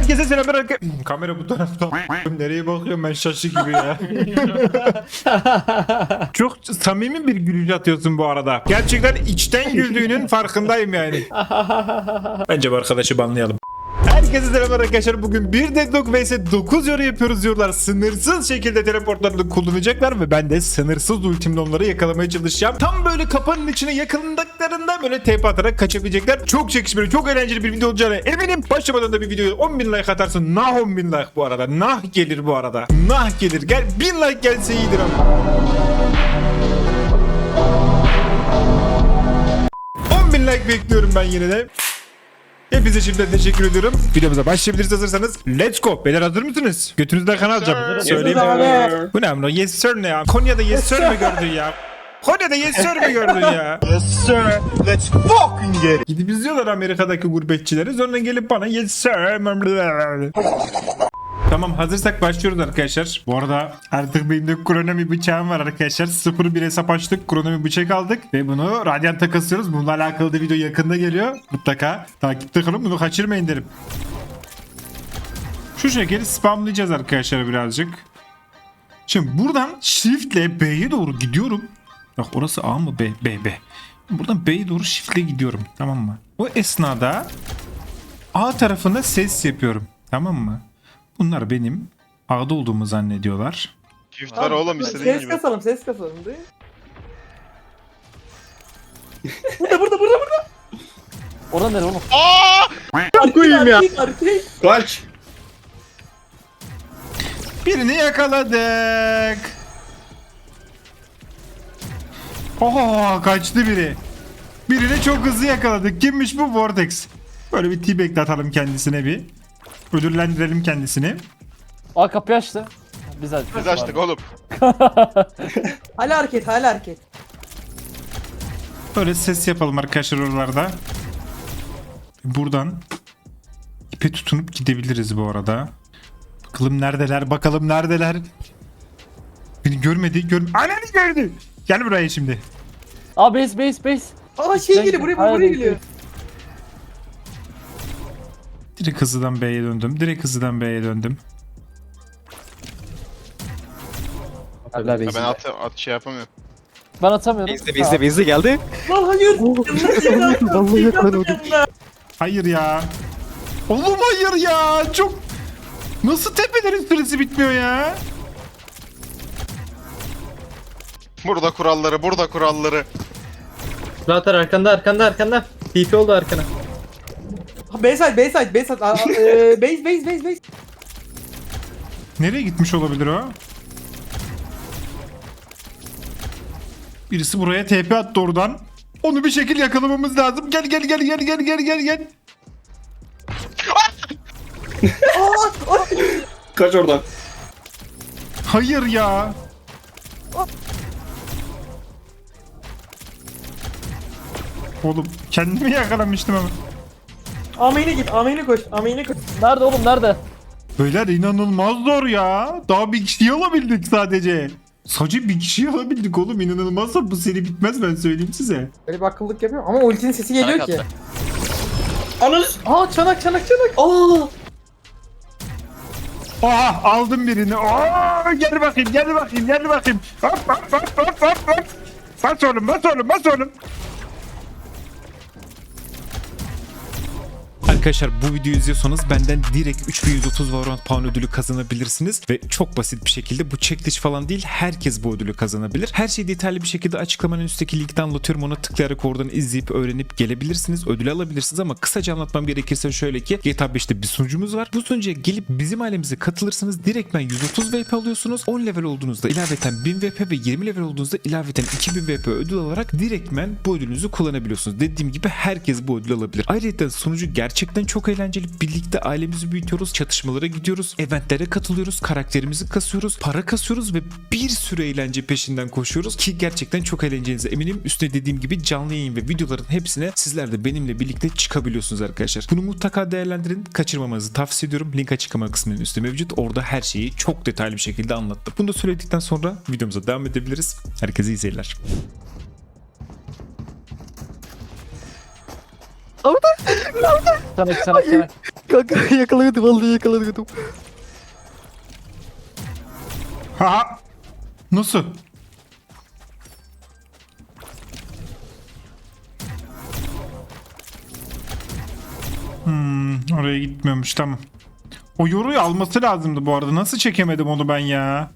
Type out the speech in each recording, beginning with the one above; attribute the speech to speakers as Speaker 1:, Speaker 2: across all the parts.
Speaker 1: Herkese selamlar. Kamera bu tarafta. Nereye bakıyorum ben, şaşı gibi ya. Çok samimi bir gülüş atıyorsun bu arada. Gerçekten içten güldüğünün farkındayım yani. Bence bu arkadaşı banlayalım. Herkese selamlar arkadaşlar. Bugün bir Deadlock vs 9 yoru yapıyoruz diyorlar. Sınırsız şekilde teleportlarını kullanacaklar ve ben de sınırsız ultimle onları yakalamaya çalışacağım. Tam böyle kapanın içine yakındıklarında böyle TP atarak kaçabilecekler. Çok çekişmeli, çok eğlenceli bir video olacağına eminim. Başlamadan da bir videoya 10.000 like atarsın. Nah 10.000 like bu arada. Nah gelir bu arada. Nah gelir. Gel 1000 like gelse iyidir ama. 10.000 like bekliyorum ben yine de. Hepinize şimdiden teşekkür ediyorum. Videomuza başlayabiliriz hazırsanız. Let's go. Beyler hazır mısınız? Götünüzden kan alacağım. Söyleyeyim. Bu ne amına? Yes sir ne ya? Konya'da yes sir mi gördün ya? Konya'da yes sir mi gördün ya?
Speaker 2: Yes sir, let's fucking get it.
Speaker 1: Gidip izliyorlar Amerika'daki gurbetçileri. Sonra gelip bana yes sir. Tamam, hazırsak başlıyoruz arkadaşlar. Bu arada artık benim de kronomi bıçağım var arkadaşlar. 0-1 hesap açtık. Kronomi bıçak aldık. Ve bunu Radiant'a kasıyoruz. Bununla alakalı da video yakında geliyor. Mutlaka takipte kalın. Bunu kaçırmayın derim. Şu şekilde spamlayacağız arkadaşlar birazcık. Şimdi buradan shift'le B'ye doğru gidiyorum. Bak orası A mı B? B. Buradan B'ye doğru shift'le gidiyorum. Tamam mı? O esnada A tarafında ses yapıyorum. Tamam mı? Bunlar benim A'da olduğumu zannediyorlar.
Speaker 3: Çiftler oğlum istediğin
Speaker 4: Ses
Speaker 3: gibi.
Speaker 4: kasalım, ses kasalım değil. burada.
Speaker 5: Orada nere oğlum?
Speaker 4: Koyayım ya. Erkek.
Speaker 2: Kaç.
Speaker 1: Birini yakaladık. Oho, kaçtı biri. Birini çok hızlı yakaladık. Kimmiş bu? Vortex. Böyle bir T-Bag atalım kendisine bir. Ödüllendirelim kendisini.
Speaker 5: Aa kapıyı açtı.
Speaker 3: Biz açtık oğlum.
Speaker 4: Hala hareket.
Speaker 1: Böyle ses yapalım arkadaşlar oralarda. Buradan ipe tutunup gidebiliriz bu arada. Bakalım neredeler. Beni görmedi. Ananı gördü. Gel buraya şimdi.
Speaker 5: Aa base.
Speaker 4: Aa şey geliyor, buraya
Speaker 5: Hayır,
Speaker 4: geliyor.
Speaker 1: Direkt hızlıdan B'ye döndüm.
Speaker 5: Hala
Speaker 3: Ya
Speaker 5: base.
Speaker 3: ben at şey yapamıyorum.
Speaker 5: Ben atamıyorum.
Speaker 6: Bizde geldi.
Speaker 4: Lan hayır. Vallahi yakaladım.
Speaker 1: Hayır ya. Oğlum hayır ya. Çok... Nasıl tepelerin süresi bitmiyor ya?
Speaker 3: Burada kuralları.
Speaker 6: Zaten arkanda. TP oldu arkana.
Speaker 4: Bayside. Base.
Speaker 1: Nereye gitmiş olabilir o? Birisi buraya TP attı oradan. Onu bir şekil yakalamamız lazım. Gel.
Speaker 2: Kaç oradan.
Speaker 1: Hayır ya. Oğlum kendimi yakalamıştım ama.
Speaker 4: Ameyne koş.
Speaker 5: Nerede oğlum nerede?
Speaker 1: Beyler inanılmaz zor ya. Daha bir kişiyi alabildik sadece. Sadece bir kişiyi alabildik oğlum, inanılmazsa bu seri bitmez, ben söyleyeyim size.
Speaker 4: Böyle bir akıllık yapıyorum ama ultinin sesi geliyor
Speaker 6: Çanak
Speaker 4: ki.
Speaker 6: attı.
Speaker 4: Anız. Aa çanak. Aa.
Speaker 1: Aha aldım birini. Aa, gel bakayım. Hop. Bas oğlum. Arkadaşlar bu videoyu izliyorsanız benden direkt 3130 Valorant Pound ödülü kazanabilirsiniz ve çok basit bir şekilde, bu çekiliş falan değil, herkes bu ödülü kazanabilir. Her şeyi detaylı bir şekilde açıklamanın üstteki linkten anlatıyorum, ona tıklayarak oradan izleyip öğrenip gelebilirsiniz, ödülü alabilirsiniz ama kısaca anlatmam gerekirse şöyle ki GTA 5'te bir sunucumuz var. Bu sunucuya gelip bizim ailemize katılırsanız direktmen 130 VP alıyorsunuz. 10 level olduğunuzda ilaveten 1000 VP ve 20 level olduğunuzda ilaveten 2000 VP ödül alarak direktmen bu ödülünüzü kullanabiliyorsunuz. Dediğim gibi herkes bu ödülü alabilir. Ayrıca sunucu gerçekten çok eğlenceli. Birlikte ailemizi büyütüyoruz, çatışmalara gidiyoruz, eventlere katılıyoruz, karakterimizi kasıyoruz, para kasıyoruz ve bir sürü eğlence peşinden koşuyoruz ki gerçekten çok eğleneceğinize eminim. Üstüne dediğim gibi canlı yayın ve videoların hepsine sizler de benimle birlikte çıkabiliyorsunuz arkadaşlar. Bunu mutlaka değerlendirin. Kaçırmamanızı tavsiye ediyorum. Link açıklama kısmının üstü mevcut. Orada her şeyi çok detaylı bir şekilde anlattım. Bunu da söyledikten sonra videomuza devam edebiliriz. Herkese iyi seyirler.
Speaker 5: Çanak çanak çanak.
Speaker 6: Kanka yakaladım vallahi yakaladım.
Speaker 1: Ha. Nasıl? Oraya gitmiyormuş, tamam. O yoruyu alması lazımdı bu arada. Nasıl çekemedim onu ben ya?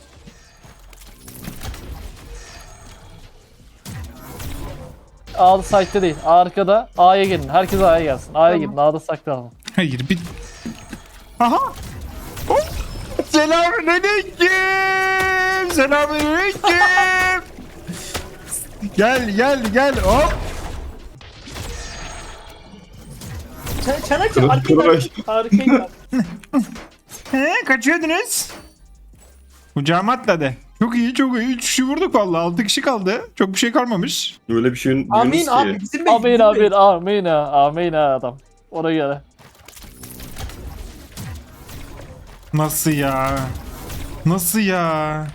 Speaker 5: A'da site'de değil. Arkada. A'ya gelin. Herkes A'ya gelsin. A'ya gidin. A'da saklanalım.
Speaker 1: Hayır bir... Aha! Hop! Selamünaleyküm! Selamünaleyküm! Gel hop!
Speaker 4: Çanak çanak. Arkayı.
Speaker 1: Kaçıyordunuz? Kucağıma atladı. Çok iyi. 3 kişi vurduk vallahi. 6 kişi kaldı. Çok bir şey kalmamış.
Speaker 2: Böyle bir şeyin
Speaker 4: Amin
Speaker 2: diyoruz
Speaker 4: abi.
Speaker 2: ki.
Speaker 4: Bizim base.
Speaker 5: Amin
Speaker 4: bizim
Speaker 5: amin
Speaker 4: base.
Speaker 5: amin ha. Amin ha adam. Oraya göre.
Speaker 1: Nasıl ya? Nasıl ya?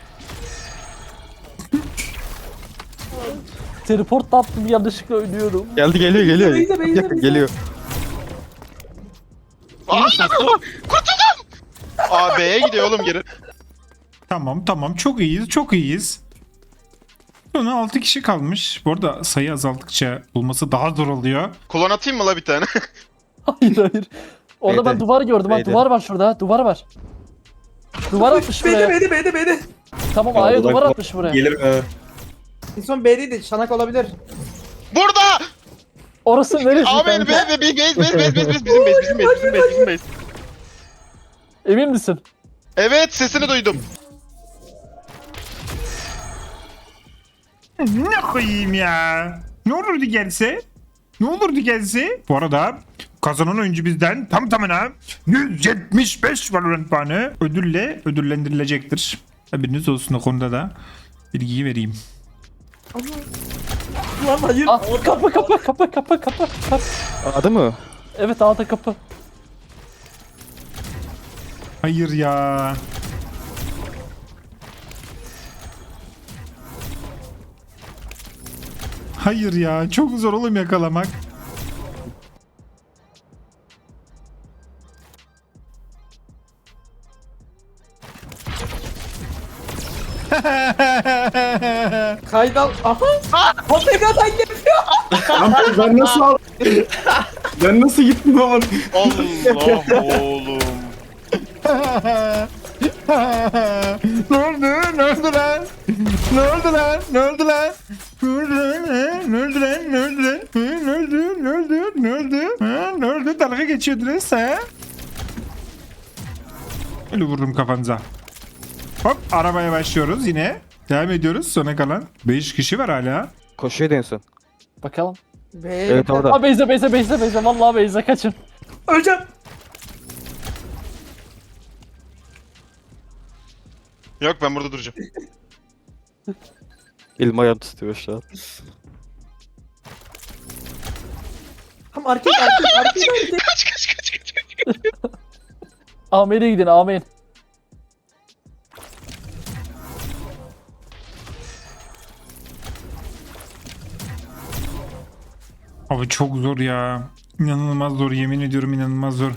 Speaker 5: Teleport attım yanlışlıkla ölüyorum.
Speaker 6: Geldi geliyor.
Speaker 4: Beyze.
Speaker 6: Geliyor.
Speaker 3: Aa B'ye gidiyor oğlum geri.
Speaker 1: Tamam. Çok iyiyiz. Sonra 6 kişi kalmış. Bu arada sayı azaldıkça bulması daha zor oluyor.
Speaker 3: Klon atayım mı la bir tane?
Speaker 5: Hayır. Orada ben
Speaker 6: B'de.
Speaker 5: duvar gördüm. Bak
Speaker 6: B'de.
Speaker 5: duvar var şurada. Duvar var. Duvar atmış buraya.
Speaker 4: B'de.
Speaker 5: Tamam
Speaker 2: Aa,
Speaker 5: A'ya
Speaker 2: bu da-
Speaker 5: duvar atmış buraya.
Speaker 2: Gelir.
Speaker 4: En son B'deydi. Çanak olabilir.
Speaker 3: Burada!
Speaker 5: Orası neresi
Speaker 3: Aa benim
Speaker 5: kanka?
Speaker 3: bizim base.
Speaker 5: Emin misin?
Speaker 3: Evet sesini duydum.
Speaker 1: Ne koyayım ya? Ne olurdu gelse? Bu arada kazanan oyuncu bizden tam tamına 175 Valorant puanı ödülle ödüllendirilecektir. Haberiniz olsun, o konuda da bilgiyi vereyim.
Speaker 4: Lan hayır.
Speaker 5: Ah, kapı.
Speaker 6: Adı mı?
Speaker 5: Evet A'da kapı.
Speaker 1: Hayır ya. Hayır ya. Çok zor oğlum yakalamak.
Speaker 4: Kaydal. Aha. Potegadan yapıyor.
Speaker 2: Lan ben nasıl al? Ben nasıl gittim ama?
Speaker 3: Allah oğlum.
Speaker 1: Ne oldu lan? Ne oldu? Dalga geçiyordunuz ha? Öyle vururum kafanıza. Hop, arabaya başlıyoruz yine. Devam ediyoruz, sona kalan 5 kişi var hala.
Speaker 6: Koşuyordu en son.
Speaker 5: Bakalım.
Speaker 6: Evet orada.
Speaker 5: Aa Beyza. Vallahi Beyza kaçın.
Speaker 4: Öleceğim.
Speaker 3: Yok ben burada duracağım.
Speaker 6: Elim ayağım tutuyor şu an.
Speaker 4: Tam arkayı.
Speaker 3: Kaç.
Speaker 5: Amir'e gidin Amir.
Speaker 1: Abi çok zor ya. İnanılmaz zor, yemin ediyorum inanılmaz zor.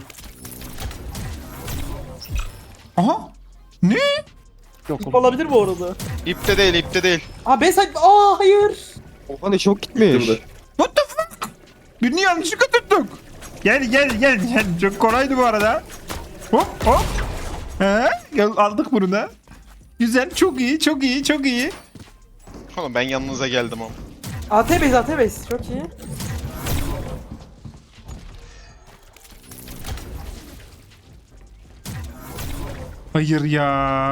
Speaker 1: Aha! Ne?
Speaker 5: Yok
Speaker 4: İp
Speaker 5: oğlum.
Speaker 4: olabilir bu arada.
Speaker 3: İpte değil.
Speaker 4: Aa B side. Aa hayır.
Speaker 6: Oha ne çok gitmiş.
Speaker 1: What the fuck? Birini yanlışlıkla tuttuk. Gel. Çok kolaydı bu arada. Hop. Gel, aldık bunu da. Güzel, çok iyi.
Speaker 3: Oğlum ben yanınıza geldim ama.
Speaker 4: AT base. Çok iyi.
Speaker 1: Hayır ya.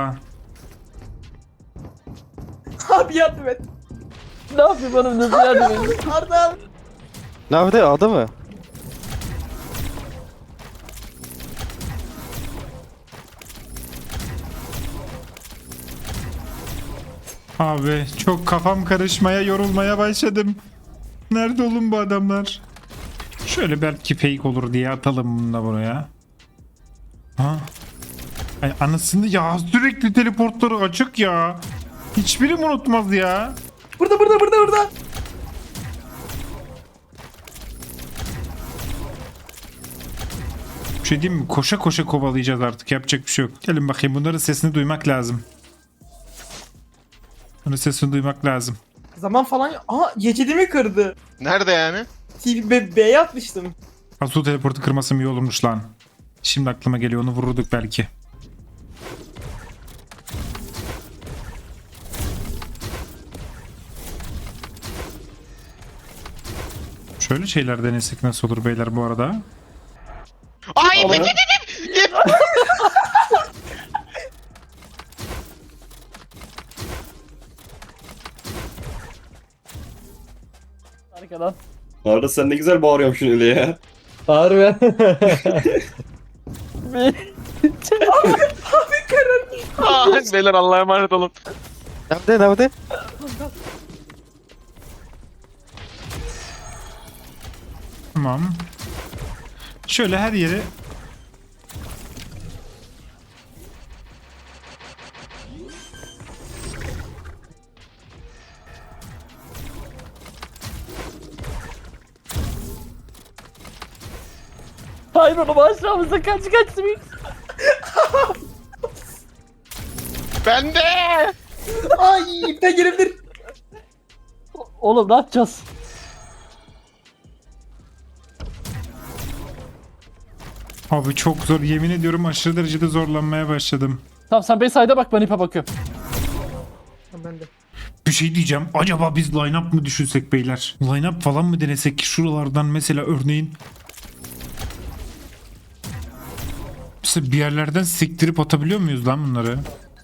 Speaker 4: Abi yardım et.
Speaker 5: Ne yapayım bana nasıl yardım edin?
Speaker 4: Arda.
Speaker 6: Nerede A'da mı?
Speaker 1: Abi çok kafam karışmaya, yorulmaya başladım. Nerede oğlum bu adamlar? Şöyle belki fake olur diye atalım bunu da buraya. Ha? Ay anasını ya, sürekli teleportları açık ya. Hiçbiri mi unutmaz ya?
Speaker 4: Burada.
Speaker 1: Bir şey diyeyim mi? Koşa koşa kovalayacağız artık. Yapacak bir şey yok. Gelin bakayım. Bunların sesini duymak lazım. Bunun sesini duymak lazım.
Speaker 4: Zaman falan. Aha geçidimi kırdı.
Speaker 3: Nerede yani?
Speaker 4: B'ye atmıştım.
Speaker 1: Asu teleportu kırmasım iyi olurmuş lan. Şimdi aklıma geliyor. Onu vururduk belki. Şöyle şeyler denesek nasıl olur beyler bu arada?
Speaker 3: Ay ip
Speaker 4: Olur.
Speaker 3: ip ip ip.
Speaker 5: Arkadan.
Speaker 2: Arda sen ne güzel bağırıyorsun öyle ya.
Speaker 5: Harbi.
Speaker 3: Beyler Allah'a emanet olun.
Speaker 6: Nerede?
Speaker 1: Tamam. Şöyle her yere
Speaker 5: Hayır oğlum aşağımıza kaç.
Speaker 3: Bende.
Speaker 4: Ay ipte girebilir.
Speaker 5: Oğlum ne yapacağız?
Speaker 1: abi çok zor. Yemin ediyorum aşırı derecede zorlanmaya başladım.
Speaker 5: Tamam sen Bayside'a bak ben ipe bakıyorum.
Speaker 4: Ben de.
Speaker 1: Bir şey diyeceğim. Acaba biz line-up mı düşünsek beyler? Line-up falan mı denesek ki şuralardan mesela örneğin mesela bir yerlerden siktirip atabiliyor muyuz lan bunları?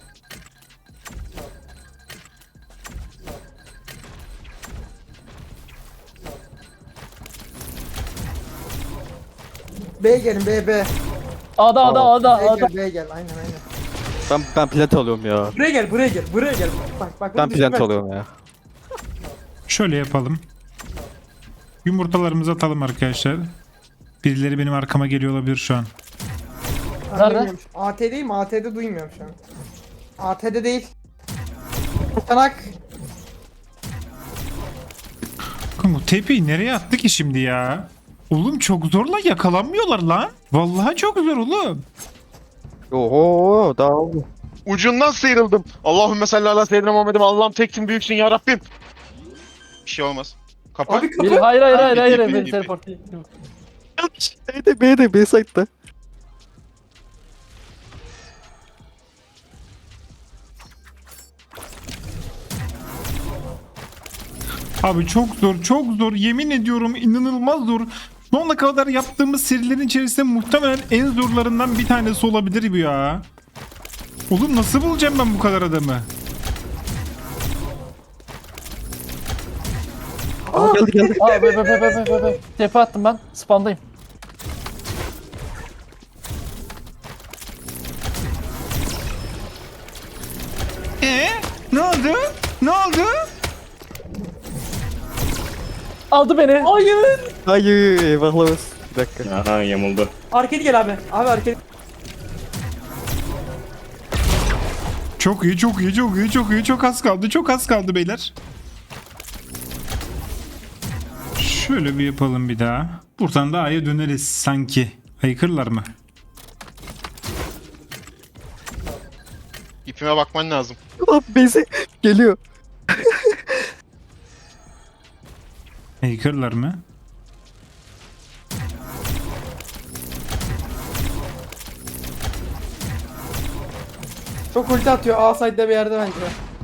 Speaker 4: B'ye gelin B.
Speaker 5: A'da.
Speaker 4: B'ye gel. Aynen.
Speaker 6: Ben plant alıyorum ya.
Speaker 4: Buraya gel. Bak.
Speaker 6: Ben
Speaker 4: bunu
Speaker 6: plant
Speaker 4: düşünme.
Speaker 6: alıyorum ya.
Speaker 1: Şöyle yapalım. Yumurtalarımızı atalım arkadaşlar. Birileri benim arkama geliyor olabilir şu an.
Speaker 4: Ben
Speaker 5: Nerede?
Speaker 4: duymuyorum. AT değil mi? AT'de duymuyorum şu an. AT'de değil. Tanak.
Speaker 1: Kanka tepeyi nereye attı ki şimdi ya? Oğlum çok zorla yakalanmıyorlar lan. Vallahi çok zor oğlum.
Speaker 6: Oho daha oldu.
Speaker 3: Ucundan sıyrıldım. Allahümme salli ala seyyidina Muhammed'im. Allah'ım teksin büyüksün ya Rabbim. Bir şey olmaz. Kapı.
Speaker 4: Abi kapı.
Speaker 5: Hayır.
Speaker 3: İpi.
Speaker 5: Beni teleport değil.
Speaker 6: B'de B'side'da.
Speaker 1: Abi çok zor. Yemin ediyorum inanılmaz zor. Şu ana kadar yaptığımız serilerin içerisinde muhtemelen en zorlarından bir tanesi olabilir bu ya. Oğlum nasıl bulacağım ben bu kadar adamı?
Speaker 6: Geldi.
Speaker 5: Aa be. Tepe attım ben. Spandayım.
Speaker 1: Ne oldu? Ne oldu?
Speaker 5: Aldı beni.
Speaker 4: Hayır.
Speaker 6: Hayır eyvahlar olsun. Bir dakika.
Speaker 2: Aha yamuldu.
Speaker 4: Arkaya gel abi. Abi arkaya.
Speaker 1: Çok iyi. Çok az kaldı beyler. Şöyle bir yapalım bir daha. Buradan da A'ya döneriz sanki. Haykırlar mı?
Speaker 3: İpime bakman lazım.
Speaker 6: Lan B'si geliyor.
Speaker 1: Haykırlar mı?
Speaker 4: Çok ulti atıyor. A side'de bir yerde bence.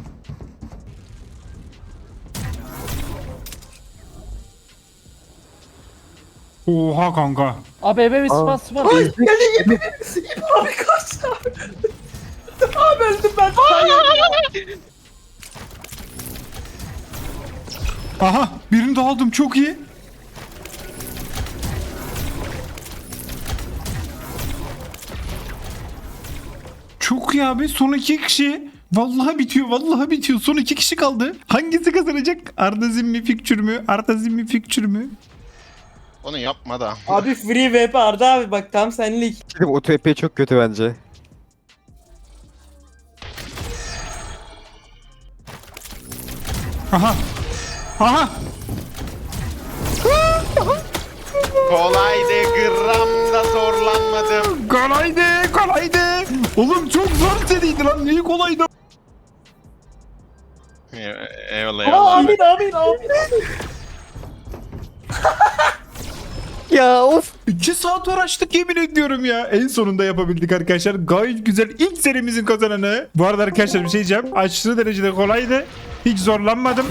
Speaker 1: Oha kanka.
Speaker 5: Abi ebe bir spawn.
Speaker 4: Ay geldi İp abi kaç abi. Abi öldüm ben. Hayır.
Speaker 1: Aha birini daha aldım çok iyi. Çok iyi abi son 2 kişi. Vallahi bitiyor. Son 2 kişi kaldı. Hangisi kazanacak? Arda Zimmi Fikçür mü?
Speaker 3: Onu yapma da.
Speaker 4: Abi free VP Arda abi bak tam senlik.
Speaker 6: Dedim o TP çok kötü bence.
Speaker 1: Aha.
Speaker 3: Kolaydı, gramda zorlanmadım.
Speaker 1: Kolaydı, kolaydı. Oğlum çok zor seriydi lan. Niye kolaydı?
Speaker 3: Eyvallah eyvallah.
Speaker 5: Amin amin amin.
Speaker 6: Ya of.
Speaker 1: 2 saat uğraştık yemin ediyorum ya. En sonunda yapabildik arkadaşlar. Gayet güzel. İlk serimizin kazananı. Bu arada arkadaşlar bir şey diyeceğim. Aşırı derecede kolaydı. Hiç zorlanmadım.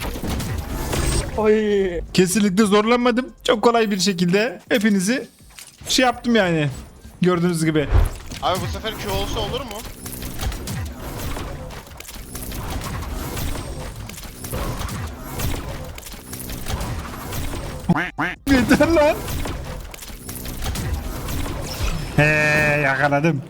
Speaker 5: Oy.
Speaker 1: Kesinlikle zorlanmadım. Çok kolay bir şekilde hepinizi şey yaptım yani. Gördüğünüz gibi.
Speaker 3: Abi bu sefer Q olsa olur mu?
Speaker 1: Yeter lan. He yakaladım.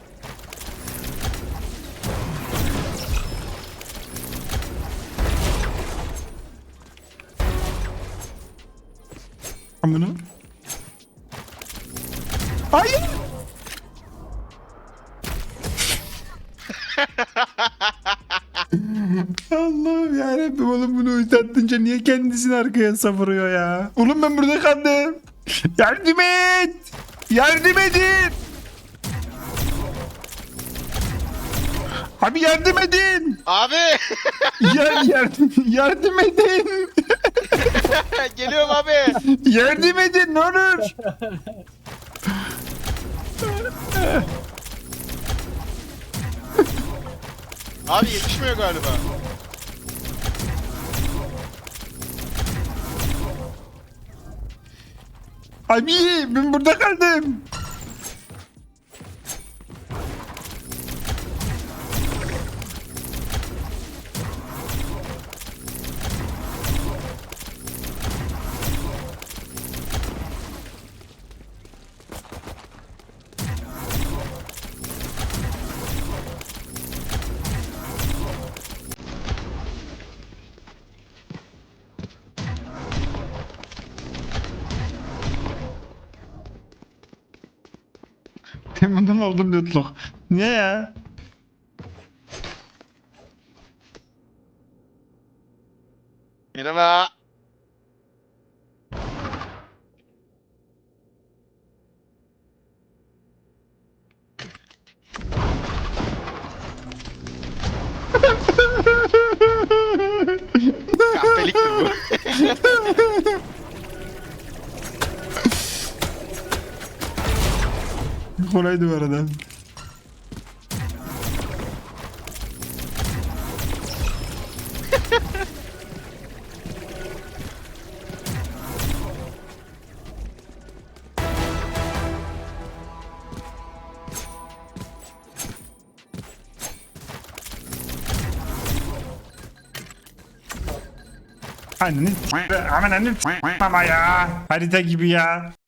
Speaker 1: Bunu. Hayır. Allah'ım yarabbim oğlum bunu uyutattınca niye kendisini arkaya savuruyor ya? Oğlum ben burada kaldım. Yardım et. Yardım edin. Abi yardım edin.
Speaker 3: Abi
Speaker 1: Yardım edin.
Speaker 3: geliyorum abi.
Speaker 1: Yardım edin ne olur.
Speaker 3: Abi yetişmiyor galiba.
Speaker 1: Abi ben burada kaldım. Bundan oldum lütluk. Niye ya?
Speaker 3: Merhaba. Kahpeliktir bu.
Speaker 1: Kolaydı bu arada. Annenin aman annenin ama ya harita gibi ya.